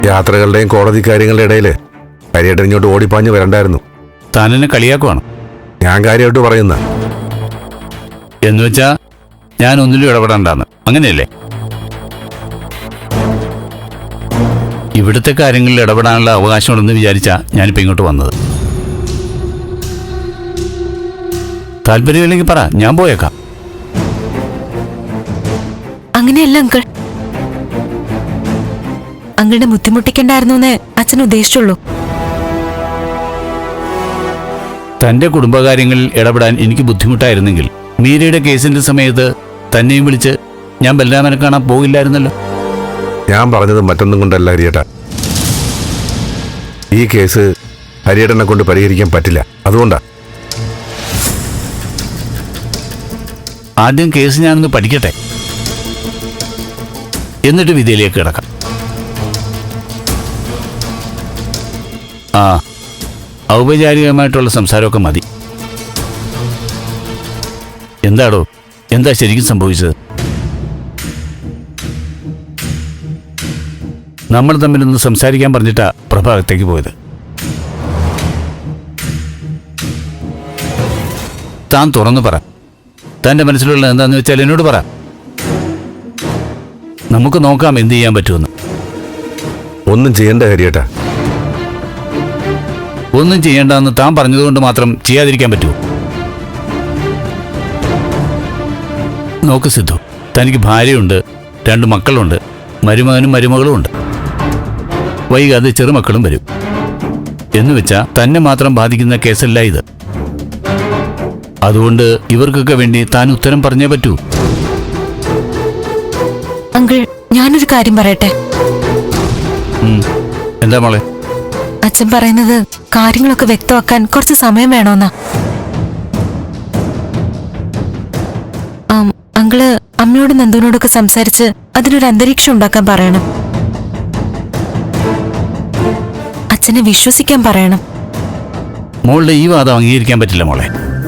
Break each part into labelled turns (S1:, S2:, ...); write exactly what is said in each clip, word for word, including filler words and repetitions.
S1: യാത്രകളുടെയും കോടതി കാര്യങ്ങളുടെ ഇടയില് ഹരിയേട്ടൻ ഇങ്ങോട്ട് ഓടിപ്പാഞ്ഞ് വരണ്ടായിരുന്നു.
S2: താനെന്നെ കളിയാക്കുവാണ്.
S1: ഞാൻ കാര്യമായിട്ട് പറയുന്ന
S2: എന്നുവെച്ചാ ഞാൻ ഒന്നിലും ഇടപെടണ്ടെന്ന്, അങ്ങനെയല്ലേ? ഇവിടുത്തെ കാര്യങ്ങളിൽ ഇടപെടാനുള്ള അവകാശമുണ്ടെന്ന് വിചാരിച്ചാ ഞാനിപ്പോൾ ഇങ്ങോട്ട് വന്നത്. താല്പര്യമില്ലെങ്കിൽ പറ, ഞാൻ പോയേക്കാം.
S3: അങ്ങനെയല്ല അങ്കിൾ, അങ്കിളിനെ ബുദ്ധിമുട്ടിക്കണ്ടായിരുന്നു എന്നേ അച്ഛൻ ഉദ്ദേശിച്ചുള്ളൂ.
S2: തന്റെ കുടുംബകാര്യങ്ങളിൽ ഇടപെടാൻ എനിക്ക് ബുദ്ധിമുട്ടായിരുന്നെങ്കിൽ മീരയുടെ കേസിന്റെ സമയത്ത് തന്നെയും വിളിച്ച് ഞാൻ ബലരാമനെ കാണാൻ പോകില്ലായിരുന്നല്ലോ.
S1: ഞാൻ പറഞ്ഞത് മറ്റൊന്നും കൊണ്ടല്ല ഹരിയേട്ട. ഈ കേസ് ഹരിയേട്ടനെ കൊണ്ട് പരിഹരിക്കാൻ പറ്റില്ല, അതുകൊണ്ടാ.
S2: ആദ്യം കേസ് ഞാനൊന്ന് പഠിക്കട്ടെ, എന്നിട്ട് വിധിയിലേക്ക് കിടക്കാം. ആ, ഔപചാരികമായിട്ടുള്ള സംസാരമൊക്കെ മതി. എന്താടോ, എന്താ ശരിക്കും സംഭവിച്ചത്? നമ്മൾ തമ്മിലൊന്ന് സംസാരിക്കാൻ പറഞ്ഞിട്ടാ പ്രഭ അകത്തേക്ക് പോയത്. താൻ തുറന്നു പറ, തന്റെ മനസ്സിലുള്ള എന്താന്ന് വെച്ചാൽ എന്നോട് പറ. നമുക്ക് നോക്കാം എന്ത് ചെയ്യാൻ പറ്റുമെന്ന്.
S1: ഒന്നും ചെയ്യണ്ട ഹരിയേട്ട.
S2: ഒന്നും ചെയ്യേണ്ടെന്ന് താൻ പറഞ്ഞതുകൊണ്ട് മാത്രം ചെയ്യാതിരിക്കാൻ പറ്റുമോ? നോക്ക് സിദ്ധു, തനിക്ക് ഭാര്യയുണ്ട്, രണ്ട് മക്കളുണ്ട്, മരുമകനും മരുമകളും ഉണ്ട്. വൈകാതെ ചെറുമക്കളും വരും. എന്ന് വെച്ചാ തന്നെ മാത്രം ബാധിക്കുന്ന കേസല്ല ഇത്. അതുകൊണ്ട് ഇവർക്കൊക്കെ വേണ്ടി താൻ ഉത്തരം പറഞ്ഞേ പറ്റൂ.
S3: അങ്കിൾ, ഞാനൊരു കാര്യം പറയട്ടെ.
S2: എന്താ മോളെ?
S3: അച്ഛൻ പറയുന്നത് കാര്യങ്ങളൊക്കെ വ്യക്തമാക്കാൻ കുറച്ച് സമയം വേണമെന്നാ. അങ്കിള് അമ്മയോടും നന്ദുവിനോടൊക്കെ സംസാരിച്ച് അതിനൊരു അന്തരീക്ഷം ഉണ്ടാക്കാൻ പറയണം. അച്ഛനെ വിശ്വസിക്കാൻ പറയണം.
S2: മോളുടെ ഈ വാദം അംഗീകരിക്കാൻ പറ്റില്ല മോളെ.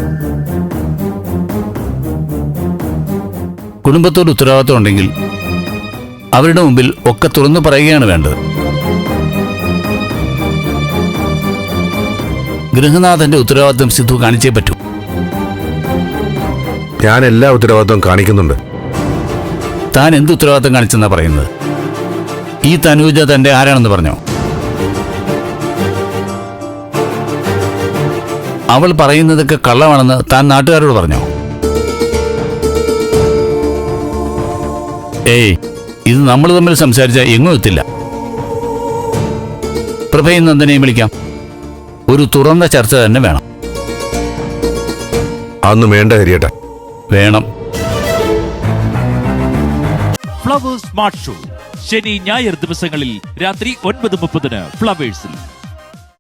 S2: കുടുംബത്തോട് ഉത്തരവാദിത്വം ഉണ്ടെങ്കിൽ അവരുടെ മുമ്പിൽ ഒക്കെ തുറന്നു പറയുകയാണ് വേണ്ടത്. ഗൃഹനാഥന്റെ ഉത്തരവാദിത്വം സിദ്ധു കാണിച്ചേ പറ്റൂ.
S1: ഞാൻ എല്ലാ ഉത്തരവാദിത്വം കാണിക്കുന്നുണ്ട്.
S2: താൻ എന്ത് ഉത്തരവാദിത്വം കാണിച്ചെന്നാ പറയുന്നത്? ഈ തനൂജ തന്റെ ആരാണെന്ന് പറഞ്ഞോ? അവൾ പറയുന്നതൊക്കെ കള്ളമാണെന്ന് താൻ നാട്ടുകാരോട് പറഞ്ഞോ? ഏയ്, ഇത് നമ്മൾ തമ്മിൽ സംസാരിച്ചാൽ എങ്ങും എത്തില്ല. പ്രഭയും നന്ദനെയും വിളിക്കാം. ഒരു തുറന്ന ചർച്ച തന്നെ വേണം.
S1: അതൊന്നും വേണ്ട ഹരിയേട്ട.
S2: വേണം.
S4: ഫ്ലവേഴ്സ് സ്മാർട്ട് ഷോ ശനി ഞായർ ദിവസങ്ങളിൽ രാത്രി ഒൻപത് മുപ്പതിന് ഫ്ലവേഴ്സിൽ.